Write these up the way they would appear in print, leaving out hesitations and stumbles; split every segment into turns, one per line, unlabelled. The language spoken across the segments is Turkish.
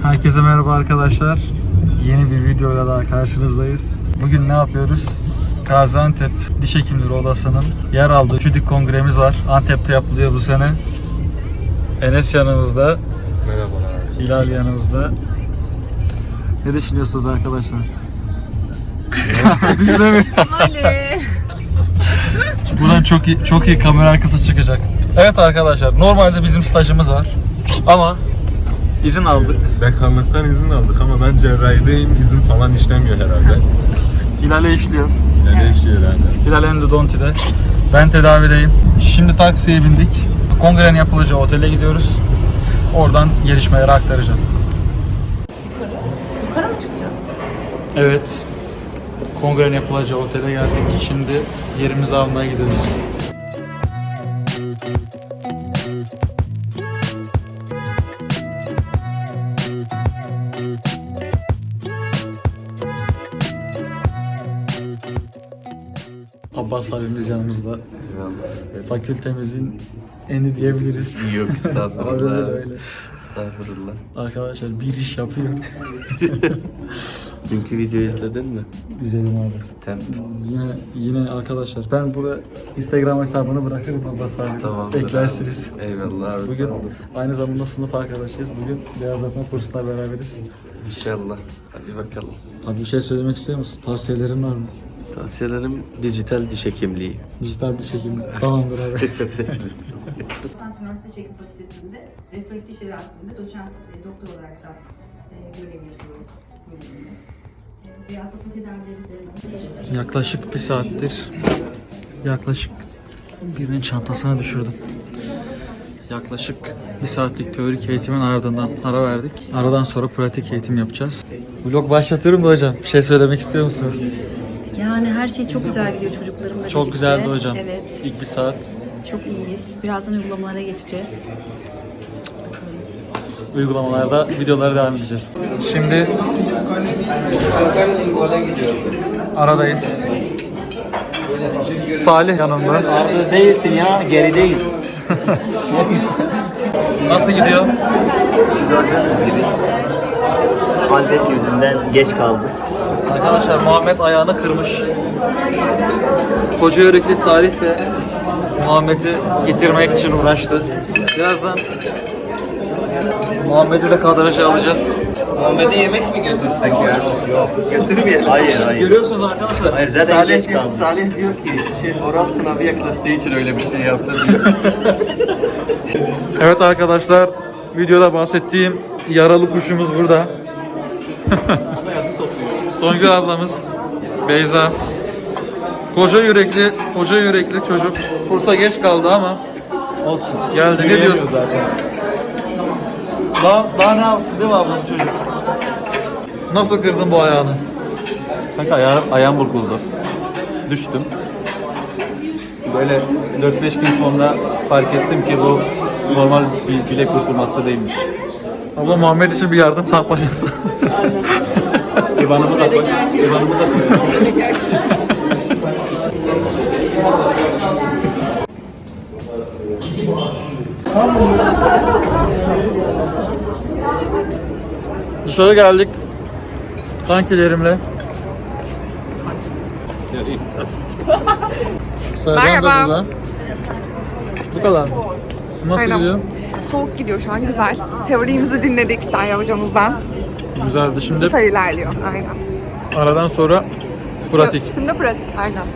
Herkese merhaba arkadaşlar. Yeni bir videoyla daha karşınızdayız. Bugün ne yapıyoruz? Gaziantep Diş Hekimleri Odası'nın yer aldığı Çüdik Kongremiz var. Antep'te yapılıyor bu sene. Enes yanımızda.
Merhabalar.
Hilal yanımızda. Ne düşünüyorsunuz arkadaşlar? Düşünemiyorum. Buradan çok iyi kamera arkası çıkacak. Evet arkadaşlar, normalde bizim stajımız var. Ama izin aldık.
Dekanlıktan izin aldık ama ben cerrahideyim, izin falan işlemiyor herhalde.
Hilal'e işliyor.
Ne işliyor herhalde?
Hilal Endodonti'de. Ben tedavideyim. Şimdi taksiye bindik. Kongrenin yapılacağı otele gidiyoruz. Oradan gelişmeleri aktaracağım.
Yukarı mı çıkacağız?
Evet. Kongrenin yapılacağı otele geldik. Şimdi yerimizi almaya gidiyoruz. Abbas abimiz yanımızda. Fakültemizin eni diyebiliriz.
Yok
Öyle
estağfurullah.
öyle.
Estağfurullah.
Arkadaşlar bir iş yapıyor.
Dünkü videoyu izledin mi?
Güzelim abi.
Sistem.
Yine arkadaşlar ben buraya Instagram hesabını bırakırım Abbas abi.
Tamamdır.
Beklersiniz.
Eyvallah abi.
Bugün
sağ olasın.
aynı zamanda sınıf arkadaşıyız. Bugün beyazlatma kursuna beraberiz.
İnşallah. Hadi bakalım.
Abi bir şey söylemek istiyor musun? Tavsiyelerin var mı?
Tavsiyelerim dijital diş hekimliği.
Dijital diş hekimi. Tamamdır abi.
Sanat Üniversitesi Diş Hekimi Fakültesi'nde restoratif diş cerrahisinde doçent ve doktor olarak da görev yapıyorum bölümünde. Beyazlatma tedavileri üzerine.
Yaklaşık bir saattir birinin çantasına düşürdüm. Yaklaşık bir saatlik teorik eğitimin ardından ara verdik. Aradan sonra pratik eğitim yapacağız. Vlog başlatıyorum da hocam. Bir şey söylemek istiyor musunuz?
Yani her şey çok güzel gidiyor çocuklarımla
Çok
birlikte.
güzeldi hocam.
Evet,
İlk bir saat.
çok iyiyiz. Birazdan uygulamalara geçeceğiz.
Uygulamalarda videolara devam edeceğiz. Şimdi aradayız. Salih yanımda.
Arada değilsin ya, gerideyiz.
Nasıl gidiyor?
Gördüğünüz gibi Antep yüzünden geç kaldık.
Arkadaşlar Muhammed ayağını kırmış. Koca yürekli Salih de Muhammed'i getirmek için uğraştı. Birazdan Muhammed'i de kadraja alacağız.
Muhammed'e yemek mi götürsek ya?
Götürmeyelim. Hayır.
Görüyorsunuz arkadaşlar.
Hayır zaten geç kaldık.
Salih diyor ki oral sınavı yaklaştığı için öyle bir şey yaptı diyor.
Evet arkadaşlar, videoda bahsettiğim yaralı kuşumuz burada. Songül ablamız, Beyza. Koca yürekli çocuk. Kursa geç kaldı ama olsun. Geldi. Ne diyorsun?
Zaten.
Daha ne yapsın değil mi ablam çocuk? Nasıl kırdın bu ayağını?
Kanka ayağım burkuldu. Düştüm. Böyle 4-5 gün sonra fark ettim ki bu normal bir bilek burkulması değilmiş.
Abla Muhammed için bir yardım kampanyası.
İvan'ımı da koyuyorsun.
Dışarı geldik. kankilerimle.
Merhaba.
Bu kadar mı? Nasıl
Aynen.
gidiyor?
Soğuk gidiyor şu an, güzel. Teorimizi dinledik Derya hocamızdan.
Güzeldi. Şimdi
Süper ilerliyor, aynen.
aradan sonra pratik.
Şimdi pratik, aynen.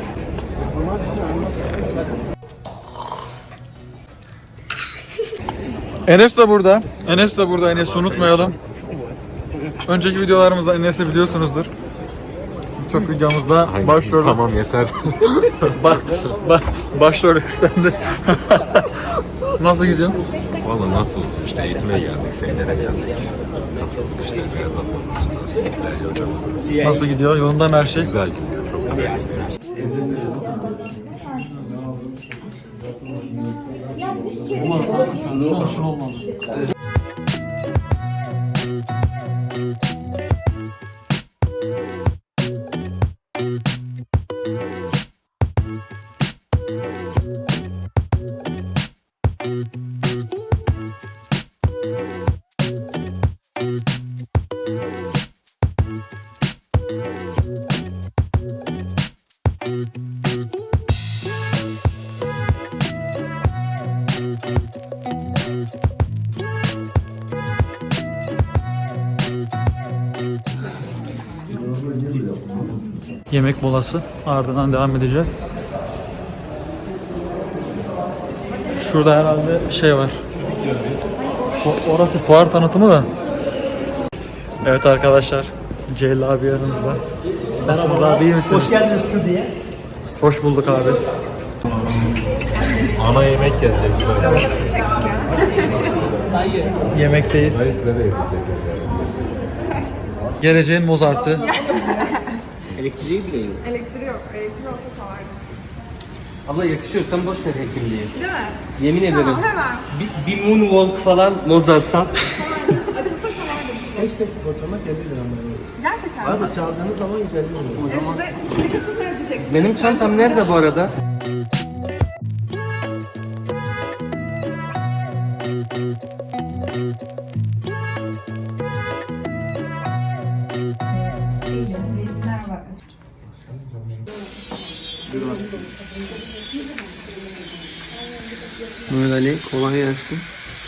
Enes de burada. Enes'i unutmayalım. Önceki videolarımızda Enes'i biliyorsunuzdur. Çok videomuzda başrol.
Tamam yeter.
Başrol üstlendi. Nasıl gidiyor?
Valla nasıl olsun işte eğitime geldik, seminere geldik. Katıldık işte beyazlatma kursuna. Derya hocamız.
Nasıl gidiyor? Yolunda mı her şey?
Güzel gidiyor, çok güzel.
Olmaz. Yemek molası. Ardından devam edeceğiz. Şurada herhalde şey var. Orası fuar tanıtımı da. Evet arkadaşlar. Celil abi yanımızda. Nasılsınız abi, iyi misiniz?
Hoş geldiniz Çudi'ye.
Hoş bulduk abi.
Ana yemek gelecek.
Yemekteyiz. Geleceğin Mozart'ı.
Elektriği bile yok.
Elektriği yok. Elektriği olsa çalardım.
Abla yakışıyor, sen boş ver hekimliği.
Değil mi?
Yemin ederim.
Tamam, hemen.
Bir moonwalk falan Mozart'tan.
Açılsa çalardım size.
5 dakika oturma kendi liranlarınız.
Gerçekten mi?
Abi çaldığınız zaman 150 oluyor.
Peki siz ne ödeyeceksiniz?
Benim çantam nerede bu arada?
Resimler var.
Mehmet Ali, kolay gelsin.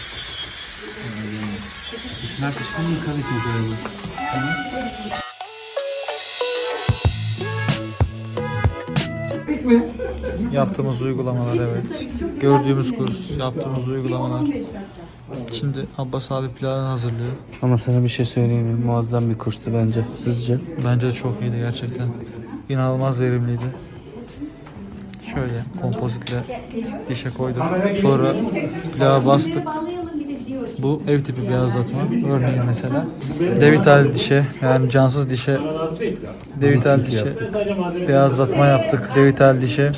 Yaptığımız uygulamalar, evet. Gördüğümüz kurs, yaptığımız uygulamalar. Şimdi Abbas abi planı hazırlıyor.
Ama sana bir şey söyleyeyim mi? Muazzam bir kurstu bence. Sizce?
Bence de çok iyiydi gerçekten. İnanılmaz verimliydi. Şöyle kompozitle dişe koydum. Sonra plağa bastık. Bu ev tipi beyazlatma. Örneğin mesela devital dişe, yani cansız dişe devital dişe beyazlatma yaptık. Devital dişe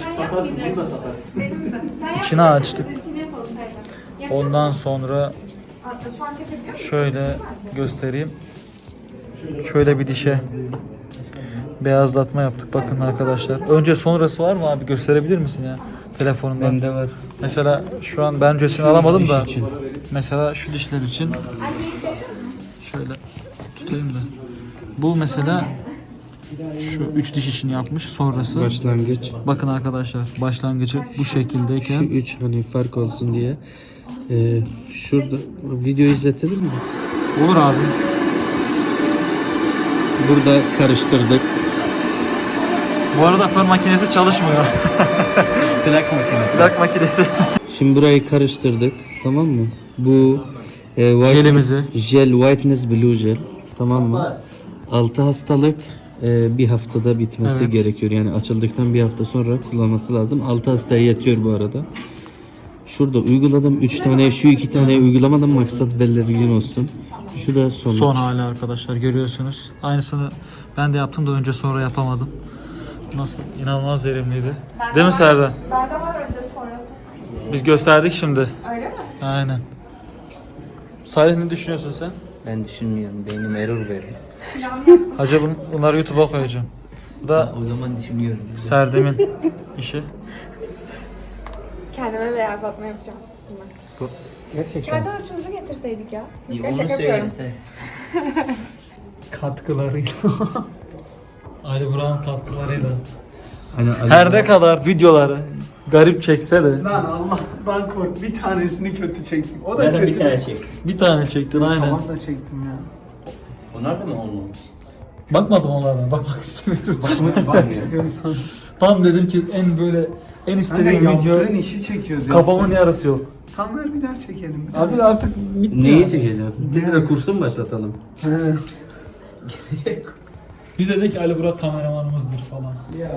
içine açtık. Ondan sonra şöyle göstereyim. Şöyle bir dişe beyazlatma yaptık. Bakın arkadaşlar. Önce sonrası var mı abi? Gösterebilir misin ya? Telefonundan.
Bende var.
Mesela şu an ben öncesini alamadım da. Mesela şu dişler için şöyle tutayım da. Bu mesela şu 3 diş için yapmış. Sonrası.
Başlangıç.
Bakın arkadaşlar, başlangıcı bu
Şu
şekildeyken
3 hani fark olsun diye. Şurada video izletebilir mi?
olur abi.
Burada karıştırdık.
Bu arada fön makinesi çalışmıyor.
Plak makinesi.
Plak makinesi.
Şimdi burayı karıştırdık. Tamam mı? Bu
Jelimizi.
Jel Whiteness Blue Gel. Tamam mı? 6 hastalık bir haftada bitmesi
Evet.
gerekiyor. Yani açıldıktan bir hafta sonra kullanması lazım. 6 hastaya yetiyor bu arada. Şurada uyguladım 3 tane, şu 2 tane uygulamadım, maksat belirgin olsun. Şu da sonuç.
Son hali arkadaşlar, görüyorsunuz. Aynısını ben de yaptım da önce sonra yapamadım. Nasıl? İnanılmaz verimliydi. Değil mi Serdar?
Bende var önce sonrası.
Biz gösterdik şimdi.
Öyle mi?
Aynen. Salih, ne düşünüyorsun sen?
Ben düşünmüyorum. Beynim error veriyor.
Hacı bunları YouTube'a koyacağım. Bu da
O zaman düşünüyorum.
Serdem'in işi.
Kendime beyazlatma yapacağım.
Bu.
Kendi ölçümüzü getirseydik ya.
İyi,
Ya
onu
şaka yapıyorum.
söylese.
Katkılarıyla. Ali Burak'ın katkılarıyla.
Hani
Her ne kadar videoları garip çekse de
Lan Allah'tan kork, bir tanesini kötü çektim. O da
Zaten
kötü.
bir tane çektim.
bir tane çektin aynen.
Tamam da çektim ya.
Onlar da mı olmamış?
Bakmadım onlara. Bakmak istemiyorum.
Bak istiyorsan.
Tam dedim ki en böyle en istediğim
Hani
video,
yaptığın işi çekiyoruz.
kafamın yarısı yok.
Tam ver bir daha çekelim.
Abi artık bitti.
neyi
yani.
çekeceğim? Tekrar kursu mu başlatalım?
Bize de ki Ali Burak kameramanımızdır falan.
Ya.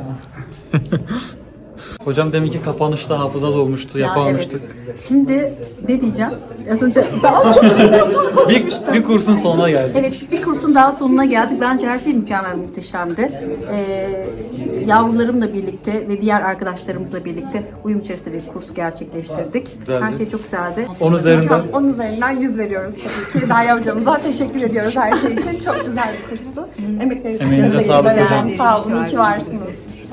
Hocam deminki kapanışta hafıza dolmuştu, yapamamıştık.
Şimdi ne diyeceğim? Az önce daha çok
Bir kursun sonuna geldik.
evet, bir kursun daha sonuna geldik. Bence her şey mükemmel, muhteşemdi. Yavrularımla birlikte ve diğer arkadaşlarımızla birlikte uyum içerisinde bir kurs gerçekleştirdik. Her şey çok güzeldi.
10 üzerinden.
10 üzerinden 100 veriyoruz tabii ki. Derya hocamıza teşekkür ediyoruz her şey için. Çok güzel bir kurstu. Emekleriniz
Emeğinize
için
sağlık
teşekkür
hocam.
ederim. Sağ olun, iyi ki varsınız.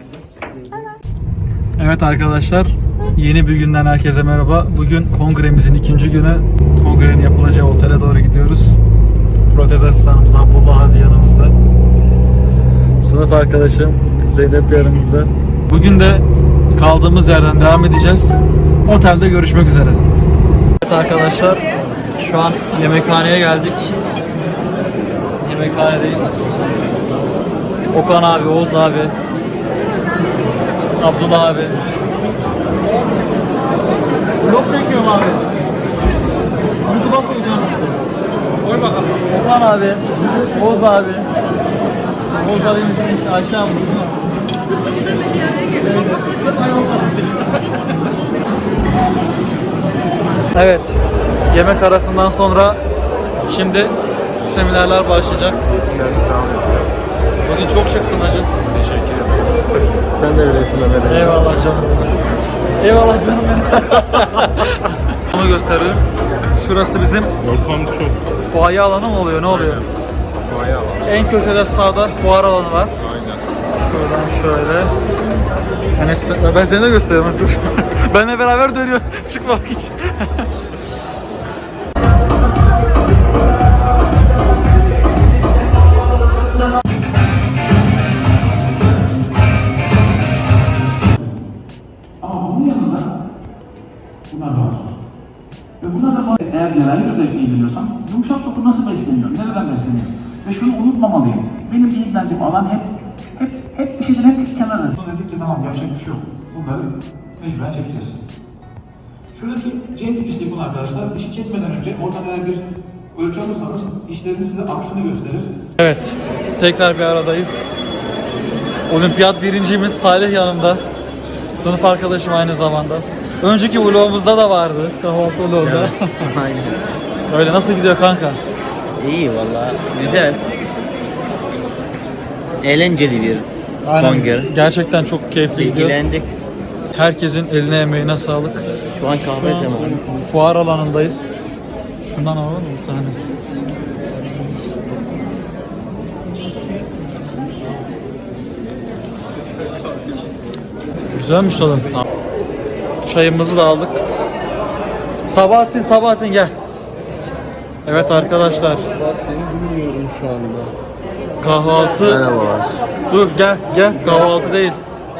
Evet arkadaşlar, yeni bir günden herkese merhaba. Bugün kongremizin 2. günü. Kongrenin yapılacağı otele doğru gidiyoruz. Protez asistanımız Abdullah abi yanımızda. Sınıf arkadaşım Zeynep yanımızda. Bugün de kaldığımız yerden devam edeceğiz. Otelde görüşmek üzere. Evet arkadaşlar, şu an yemekhaneye geldik. Yemekhanedeyiz. Okan abi, Oğuz abi, Abdullah abi. Vlog çekiyorum abi. YouTube'a koyacağım sizi. Koy bakalım. Okan abi, Oğuz abi. Oğuz abimizin eşi Ayşe abla. Evet, yemek arasından sonra şimdi seminerler başlayacak.
Eğitimlerimiz devam ediyor.
Bugün çok şıksın hacı.
Teşekkür ederim. Sen de öylesin Ömer.
Eyvallah canım. Eyvallah canım benim. Onu gösteriyorum. Şurası bizim
Ortam çok.
fuaye alanı mı oluyor? Ne oluyor?
Fuaye alan.
En köşede sağda fuar alanı var.
Aynen.
Şuradan şöyle. Yani ben seni de gösteriyorum. Benle beraber dönüyor çıkmak için.
Ama bunun yanında bunlar da var. Ve bunlar da eğer cerrahi özellikle ilgileniyorsam yumuşak doku nasıl besleniyor, nereden besleniyor? Ve şunu unutmamalıyım. Benim ilgilendiğim alan hep dişicin hep kenarı. Dedik ki tamam yapacak bir şey yok. Bunları mecburen çekeceğiz. Şuradaki C tip istifun arkadaşlar, dişi çekmeden önce oradan eğer bir ölçü alırsanız dişlerinin size aksını gösterir.
Evet, tekrar bir aradayız. Olimpiyat birincimiz Salih yanımda. Sınıf arkadaşım aynı zamanda. Önceki vlogumuzda da vardı, kahvaltı vlogunda.
Aynen.
Öyle, nasıl gidiyor kanka?
İyi valla. Güzel. Eğlenceli bir kongre.
Gerçekten çok keyifli gidiyor.
İlgilendik.
Herkesin eline emeğine sağlık.
Şu an kahve zamanı.
Fuar alanındayız. Şundan alalım mı bir tane? Güzelmiş tadım. Çayımızı da aldık. Sabahattin gel. Evet arkadaşlar.
Seni dinliyorum şu anda.
Kahvaltı.
Merhabalar.
Dur gel kahvaltı değil.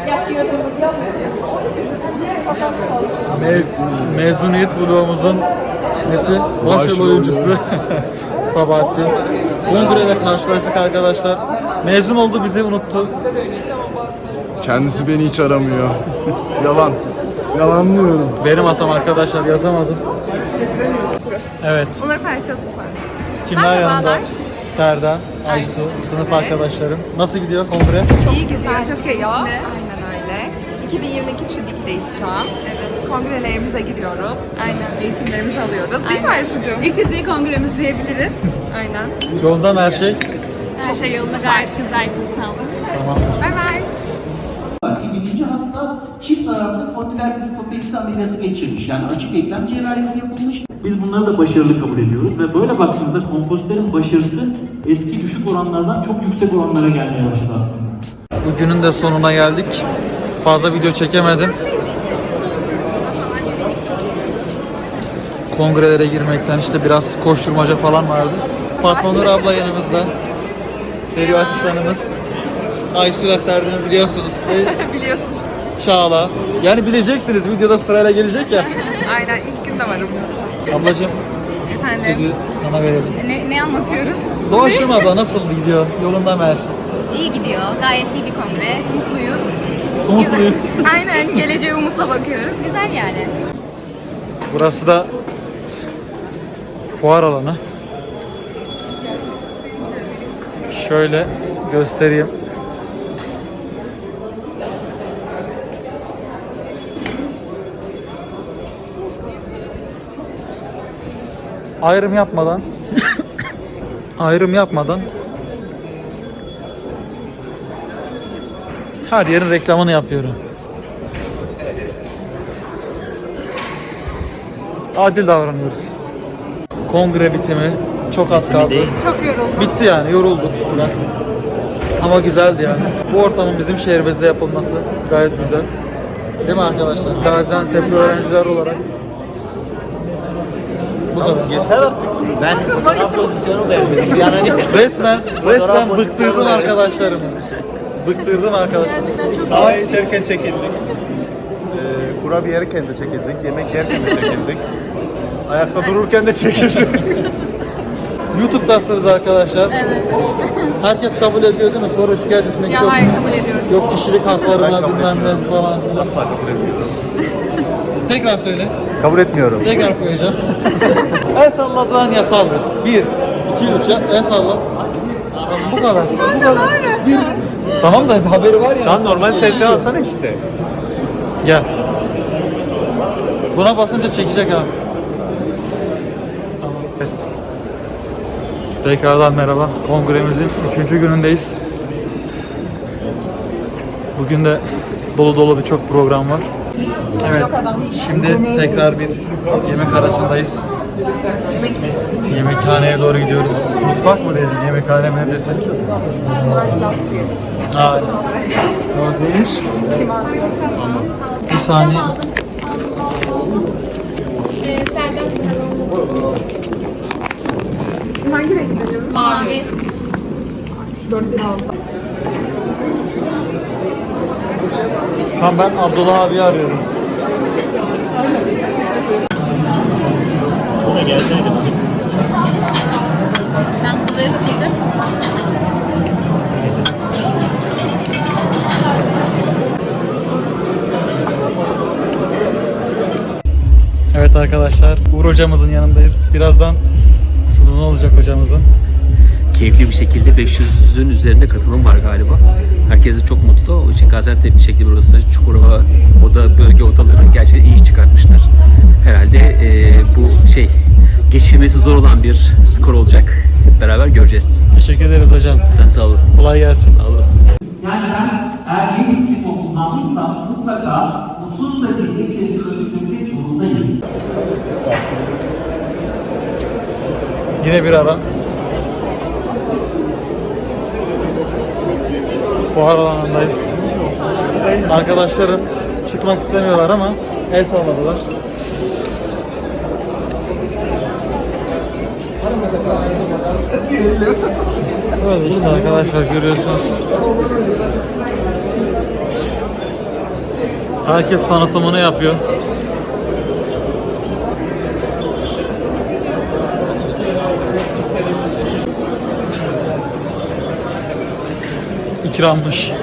Mezuniyet vlogumuzun nesi? Başrol oyuncusu Sabahattin. Kongreyle karşılaştık arkadaşlar. Mezun oldu, bizi unuttu.
Kendisi beni hiç aramıyor. Yalan. Yalanlıyorum.
Benim hatam arkadaşlar, yazamadım. Evet.
Onları paylaşalım lütfen.
Kimler yanında?
Merhabalar.
Serda, Aysu, sınıf arkadaşlarım. Nasıl gidiyor kongre?
İyi güzel, çok iyi. Aynen öyle. 2022 Çüdik'teyiz şu an. Evet. Kongrelerimize giriyoruz. Aynen. Eğitimlerimizi alıyoruz. Değil mi Aysu'cum?
İlk ciddi kongremiz diyebiliriz.
Aynen.
Yolda mı her şey?
Her şey yolunda, gayet güzel. Sağ olun.
Tamamdır.
Bay bay.
Birinci hasta çift taraflı kondylerdiskopeksi ameliyatı geçirmiş. Yani açık eklem cerrahisi yapılmış. Biz bunları da başarılı kabul ediyoruz ve böyle baktığınızda kompozitlerin başarısı eski düşük oranlardan çok yüksek oranlara gelmeye başladı aslında.
Bugünün de sonuna geldik. Fazla video çekemedim. Kongrelere girmekten işte biraz koşturmaca falan vardı. Fatma Nur abla yanımızda. Deri asistanımız. Aysu ile Serdar'ı biliyorsunuz.
Biliyorsunuz.
Çağla. Yani bileceksiniz, videoda sırayla gelecek ya.
Aynen, ilk günde varım.
Ablacığım,
Efendim,
sözü sana verelim.
ne anlatıyoruz?
Doğaçlama abla, nasıl gidiyor? Yolunda mı her şey?
İyi gidiyor. Gayet iyi bir kongre. Mutluyuz.
Umutluyuz.
Aynen. Geleceğe umutla bakıyoruz. Güzel yani.
Burası da fuar alanı. Şöyle göstereyim. Ayrım yapmadan her yerin reklamını yapıyorum. Adil davranıyoruz. Kongre bitimi çok az kaldı.
Çok yoruldum.
Bitti yani, yorulduk biraz. Ama güzeldi yani. Bu ortamın bizim şehrimizde yapılması gayet güzel. Değil mi arkadaşlar? Gaziantep'li öğrenciler olarak. Bu kadar.
Yeter artık. Ben sınav pozisyonu vermedim. Bir an önce
Resmen bıktırdım arkadaşlarımı. Bıktırdım arkadaşlarımı.
Kahve içerken çekildik. Kurabiye yerken de çekildik. Yemek yerken de çekildik. Ayakta dururken de çekildik.
YouTube'dasınız arkadaşlar. Evet. Herkes kabul ediyor değil mi? Sonra şikayet etmek yok.
Hayır, kabul ediyoruz.
Yok kişilik haklarına bilmem ne falan.
Asla kabul etmiyorum.
Tekrar söyle.
Kabul etmiyorum.
Tekrar koyacağım. El salladıran yasaldır. 1, 2, 3 el salla. Tamam, bu kadar. Bu kadar. Bir. Tamam da haberi var ya.
Lan normal selfie alsana işte.
Gel. Buna basınca çekecek abi. Tamam. Evet. Tekrardan merhaba. Kongremizin 3. günündeyiz. Bugün de dolu dolu birçok program var. Evet. Şimdi tekrar bir yemek arasındayız. Yemekhaneye doğru gidiyoruz. Mutfak mı dedim? Yemekhane mi ne desek? Aa. O neymiş? Bir saniye.
Hangi renk gidiyoruz? Mavi. 4 lira aldım.
Şu an ben Abdullah abi arıyorum.
Sen bunları bakacak mısın?
Evet arkadaşlar, Uğur hocamızın yanındayız. Birazdan sunumu olacak hocamızın.
Keyifli bir şekilde 500'ün üzerinde katılım var galiba. Herkes de çok mutlu. O için Gaziantep şekli burası Çukurova bölge odaları gerçekten iyi iş çıkartmışlar. Herhalde bu geçirmesi zor olan bir skor olacak. Hep beraber göreceğiz.
Teşekkür ederiz hocam.
Sen sağ olasın.
Kolay gelsin.
Sağ olasın.
Yani ben eğer yeni bir toplumdan almışsam mutlaka 30 dakika içerisinde ölçmek zorundayım.
Yine bir ara. Fuar alanındayız. Arkadaşlarım çıkmak istemiyorlar ama el salladılar. Böyle işte arkadaşlar görüyorsunuz. Herkes tanıtımını yapıyor. İkrammış.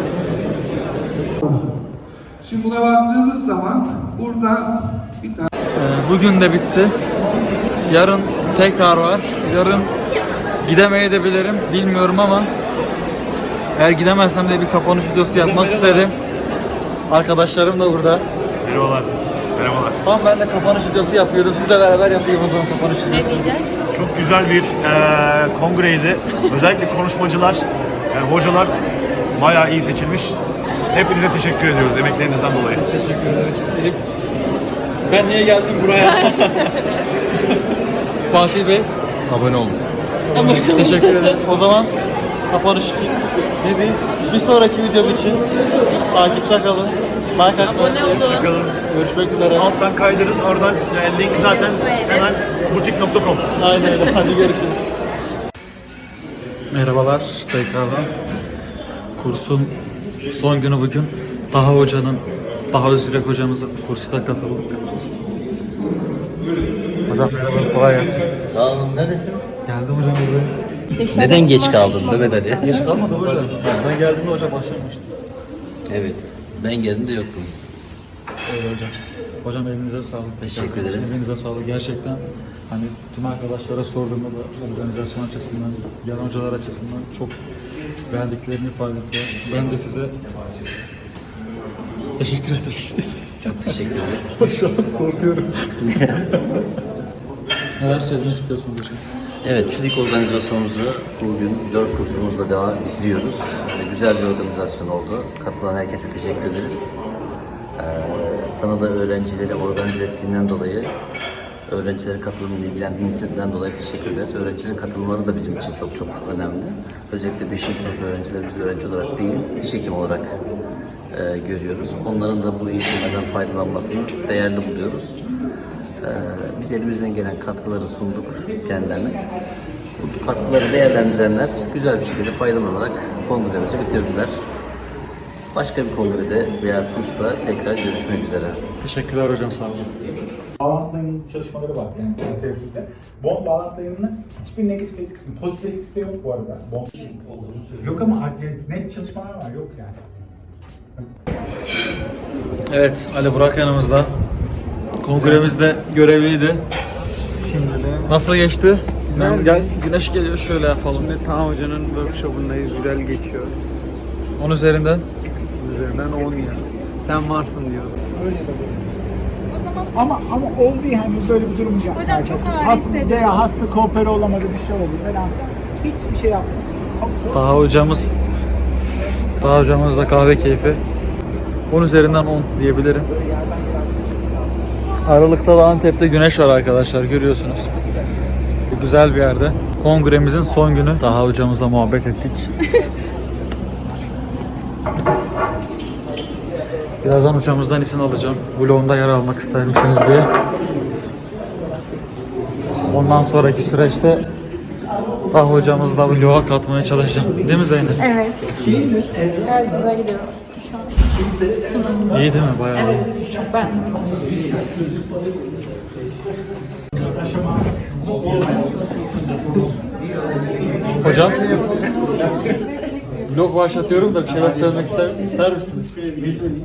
Şimdi buna baktığımız zaman burada bir tane
Bugün de bitti. Yarın tekrar var. Yarın gidemeyebilirim. Bilmiyorum ama eğer gidemezsem de bir kapanış videosu yapmak istedim. Arkadaşlarım da burada.
Merhabalar. Merhabalar.
Tam ben de kapanış videosu yapıyordum. Sizle beraber yapayım o zaman kapanış videosu.
Çok güzel bir kongreydi. Özellikle konuşmacılar, hocalar bayağı iyi seçilmiş. Hepinize teşekkür ediyoruz emeklerinizden dolayı.
Biz teşekkür ederiz. Elif. Ben niye geldim buraya? Fatih Bey.
Abone olun.
Teşekkür ederim. O zaman kapanış için ne diyeyim? Bir sonraki videom için takipte kalın. Like atmayı
Hoşçakalın.
Görüşmek üzere.
Alttan kaydırın. Oradan link zaten hemen butik.com.
Aynen öyle. Hadi görüşürüz. Merhabalar tekrardan. Kursun son günü bugün. Daha Özgürek hocamızın kursuna katıldık. Hocam merhaba, kolay gelsin.
Sağ olun. Neredesin?
Geldim hocam buraya.
Neden geç kaldın Mehmet Ali?
Geç kalmadı hocam. Ben geldiğimde hoca başlamıştı.
Evet. Ben geldiğimde yoktun.
Öyle hocam. Hocam elinize sağlık.
Teşekkür ederiz.
Elinize sağlık. Gerçekten hani tüm arkadaşlara sorduğumda da organizasyon açısından, yan hocalar açısından çok beğendiklerini ifade ettiler. Ben de size teşekkür etmek istedim.
Çok teşekkür ederiz.
Şu an korkuyorum. Neler söylemek istiyorsunuz hocam?
Evet, ÇÜDİK organizasyonumuzu bugün 4 kursumuzla devam bitiriyoruz. Güzel bir organizasyon oldu. Katılan herkese teşekkür ederiz. Sana da öğrencileri organize ettiğinden dolayı, öğrencilerin katılımıyla ilgilendiğinden dolayı teşekkür ederiz. Öğrencilerin katılımları da bizim için çok önemli. Özellikle 5. sınıf öğrencileri biz öğrenci olarak değil, diş hekimi olarak görüyoruz. Onların da bu eğitimlerden faydalanmasını değerli buluyoruz. Biz elimizden gelen katkıları sunduk kendilerine. Bu katkıları değerlendirenler güzel bir şekilde faydalanarak kongremizi bitirdiler. Başka bir kongrede veya kursta tekrar görüşmek üzere.
Teşekkürler hocam, sağ olun.
Bağlantı dayanımlı çalışmaları var yani literatürde. Bond bağlantı dayanımının hiçbir negatif etkisi, pozitif etkisi de yok bu arada. Bond yok ama net çalışmalar var, yok yani.
Evet, Ali Burak yanımızda. Kongremizde görevliydi. Şimdi de nasıl geçti?
Güzel.
Gel, güneş geliyor, şöyle yapalım.
Şimdi Taha Hoca'nın workshop'undayız. Güzel geçiyor.
10 üzerinden.
Üzerinden 10 ya. Sen varsın diyor.
Öyle de ama oldu yani böyle bir durum yok.
Hocam çok ağır
Hasta
hissediyorum.
veya hasta koopere olamadı, bir şey oldu falan. Hiçbir şey yapmadı.
Taha hocamızla kahve keyfi. 10 üzerinden 10 diyebilirim. Aralıkta da Antep'te güneş var arkadaşlar, görüyorsunuz. Güzel bir yerde. Kongremizin son günü. Taha hocamızla muhabbet ettik. Birazdan hocamızdan izin alacağım. Vlogumda yer almak ister misiniz diye. Ondan sonraki süreçte Taha hocamızla vloga katmaya çalışacağım. Değil mi Zeynep?
Evet. Evet, güzel gidiyor.
İyi değil mi? Bayağı iyi.
Ben.
Hocam, vlog başlatıyorum da bir şeyler söylemek ister misiniz? Ne söyleyeyim?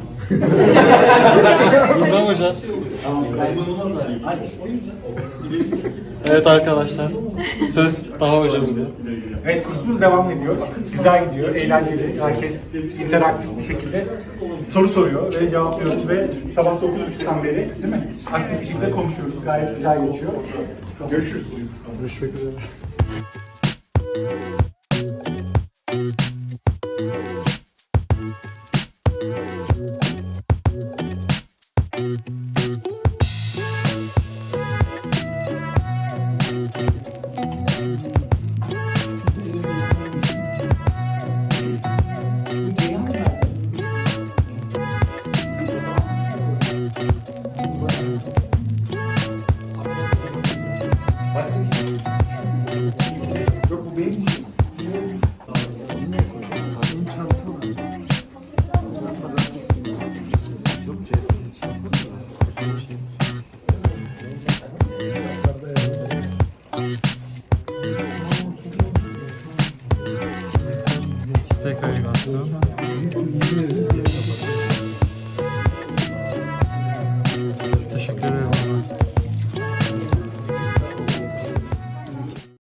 Bilmem hocam. Evet arkadaşlar, söz Taha hocamızda.
Evet, kursumuz devam ediyor. Güzel gidiyor, eğlenceli. Herkes interaktif bir şekilde soru soruyor ve cevaplıyoruz ve sabah 9.30'dan beri değil mi? Aktif bir şekilde konuşuyoruz. Gayet güzel geçiyor. Görüşürüz.
Görüşmek üzere.
Yok, bu benim işim.
Tekrar